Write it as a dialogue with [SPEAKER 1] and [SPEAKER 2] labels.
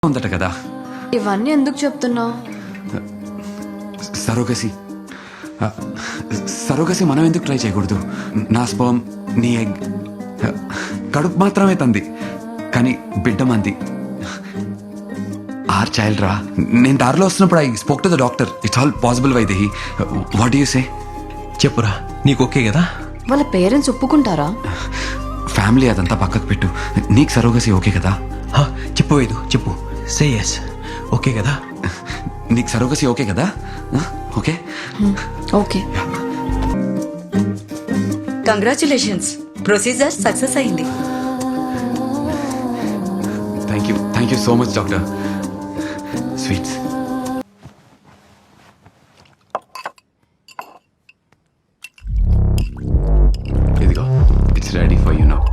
[SPEAKER 1] ఉందట కదా.
[SPEAKER 2] ఇవన్నీ ఎందుకు చెప్తున్నావు?
[SPEAKER 1] సరోగసి సరోగసి మనం ఎందుకు ట్రై చేయకూడదు? నా స్పర్మ్ నీ ఎగ్, కడుపు మాత్రమే తంది కానీ బిడ్డ మంది. ఆర్ చైల్డ్ రా. నేను దారిలో వస్తున్నప్పుడు I spoke to the doctor. It's all possible Vaidehi. What you say?
[SPEAKER 3] చెప్పురా, నీకు ఓకే కదా?
[SPEAKER 2] వాళ్ళ పేరెంట్స్ ఒప్పుకుంటారా?
[SPEAKER 1] ఫ్యామిలీ అదంతా పక్కకు పెట్టు. నీకు సరోగసి ఓకే కదా?
[SPEAKER 3] చెప్పు వేదు, చెప్పు. Say yes. ఓకే కదా?
[SPEAKER 1] నీకు సరోగసి ఓకే కదా? Okay
[SPEAKER 2] okay.
[SPEAKER 4] Congratulations, procedure success అయింది.
[SPEAKER 1] Thank you so much doctor. Sweets. ఇదిగో, it's ready for you now.